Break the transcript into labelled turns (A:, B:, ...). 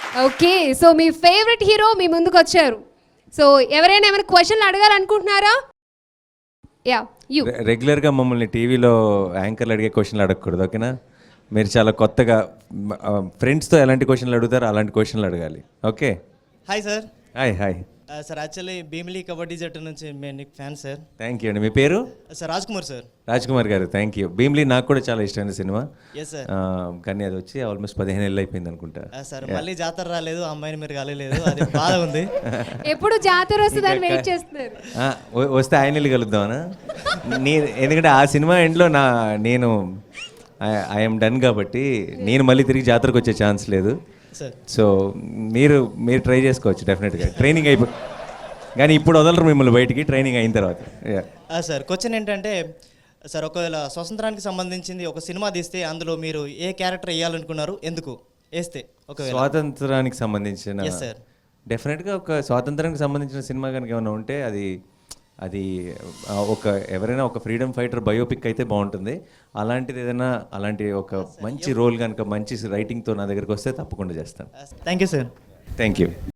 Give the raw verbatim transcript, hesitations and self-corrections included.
A: Okay, so మీ favourite hero మీ ముందుకు వచ్చారు. సో ఎవరైనా ఏమైనా క్వశ్చన్లు అడగాలనుకుంటున్నారా? Yeah you.
B: రెగ్యులర్గా మమ్మల్ని టీవీలో యాంకర్లు అడిగే క్వశ్చన్లు అడగకూడదు, ఓకేనా? మీరు చాలా కొత్తగా ఫ్రెండ్స్తో ఎలాంటి క్వశ్చన్లు అడుగుతారో అలాంటి క్వశ్చన్లు అడగాలి, okay?
C: Hi sir.
B: Hi hi
C: sir actually Bheemili kabaddi జట్టు నుంచి మేము నీకు ఫ్యాన్ సార్.
B: థ్యాంక్ యూ అండి. మీ పేరు?
C: Sir Raj Kumar sir.
B: Raj Kumar garu, thank you. Bhimli నాకు కూడా చాలా ఇష్టమైన సినిమా.
C: Yes sir.
B: కానీ అది వచ్చి ఆల్మోస్ట్ పదిహేను ఏళ్ళు అయిపోయింది అనుకుంటా.
C: సార్ మళ్ళీ జాతర రాలేదు, అమ్మాయిని మీరు కలగలేదు, అది బాధ ఉంది.
A: ఎప్పుడు జాతర వస్తుందని వెయిట్ చేస్తున్నారు.
B: ఆ, వ- వస్తే ఆయన వెళ్ళి కలుద్దామనా? నీ ఎందుకంటే ఆ సినిమా ఎండ్లో నా నేను ఐఎమ్ డన్ కాబట్టి నేను మళ్ళీ తిరిగి జాతరకు వచ్చే ఛాన్స్ లేదు.
C: సార్
B: సో మీరు మీరు ట్రై చేసుకోవచ్చు డెఫినెట్గా, ట్రైనింగ్ అయిపో కానీ ఇప్పుడు వదలరు మిమ్మల్ని బయటికి, ట్రైనింగ్ అయిన తర్వాత. Yeah.
C: సార్ క్వశ్చన్ ఏంటంటే సార్, ఒకవేళ స్వతంత్రానికి సంబంధించింది ఒక సినిమా తీస్తే అందులో మీరు ఏ క్యారెక్టర్ వేయాలనుకున్నారు, ఎందుకు వేస్తే? ఒకవేళ
B: స్వాతంత్రానికి సంబంధించిన
C: ఎస్ సార్.
B: డెఫినెట్గా ఒక స్వాతంత్రానికి సంబంధించిన సినిమా కనుక ఏమైనా ఉంటే అది అది ఆ, ఒక ఎవరైనా ఒక ఫ్రీడమ్ ఫైటర్ బయోపిక్ అయితే బాగుంటుంది. అలాంటిది ఏదైనా అలాంటి ఒక మంచి రోల్ కనుక మంచి రైటింగ్తో నా దగ్గరికి వస్తే తప్పకుండా చేస్తాను.
C: Thank you sir.
B: Thank you.